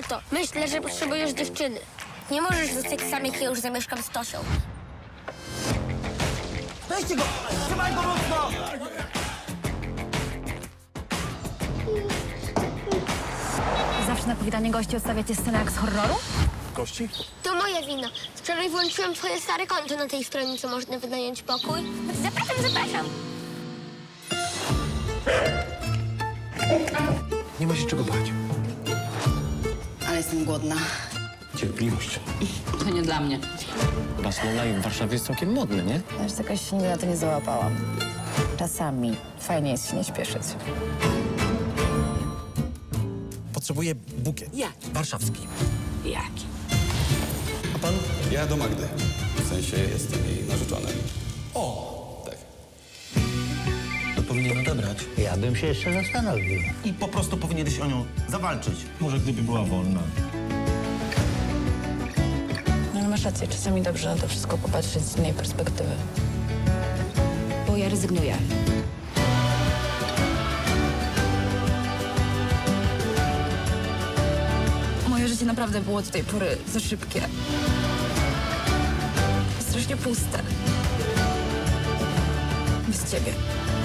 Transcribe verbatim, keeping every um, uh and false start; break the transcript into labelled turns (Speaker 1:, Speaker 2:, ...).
Speaker 1: Tato, myślę, że potrzebujesz dziewczyny. Nie możesz zostać sam, jak ja już zamieszkam z Tosią.
Speaker 2: Weźcie go! Trzymaj go mocno!
Speaker 3: Zawsze na powitanie gości odstawiacie scenę jak z horroru?
Speaker 4: Gości?
Speaker 1: To moja wina. Wczoraj włączyłem twoje stare konto na tej stronie, co można wynająć pokój. Zapraszam, zapraszam.
Speaker 4: Nie ma się czego bać.
Speaker 5: Ale jestem głodna.
Speaker 4: Cierpliwość.
Speaker 5: To nie dla mnie.
Speaker 6: Basmo Live w Warszawie jest całkiem modny, nie?
Speaker 3: Ja już jakoś nigdy na to nie załapałam. Czasami fajnie jest się nie śpieszyć.
Speaker 2: Potrzebuję bukiet.
Speaker 5: Jaki?
Speaker 2: Warszawski.
Speaker 5: Jaki?
Speaker 2: A pan?
Speaker 7: Ja do Magdy. W sensie jestem jej narzeczonym. O! Tak.
Speaker 2: To powinien odebrać.
Speaker 8: Ja bym się jeszcze zastanowił.
Speaker 2: I po prostu powinieneś o nią zawalczyć.
Speaker 4: Może gdyby była wolna.
Speaker 3: No ale masz rację, czasami dobrze na to wszystko popatrzeć z innej perspektywy. Bo ja rezygnuję. Moje życie naprawdę było do tej pory za szybkie. Strasznie puste. Bez ciebie.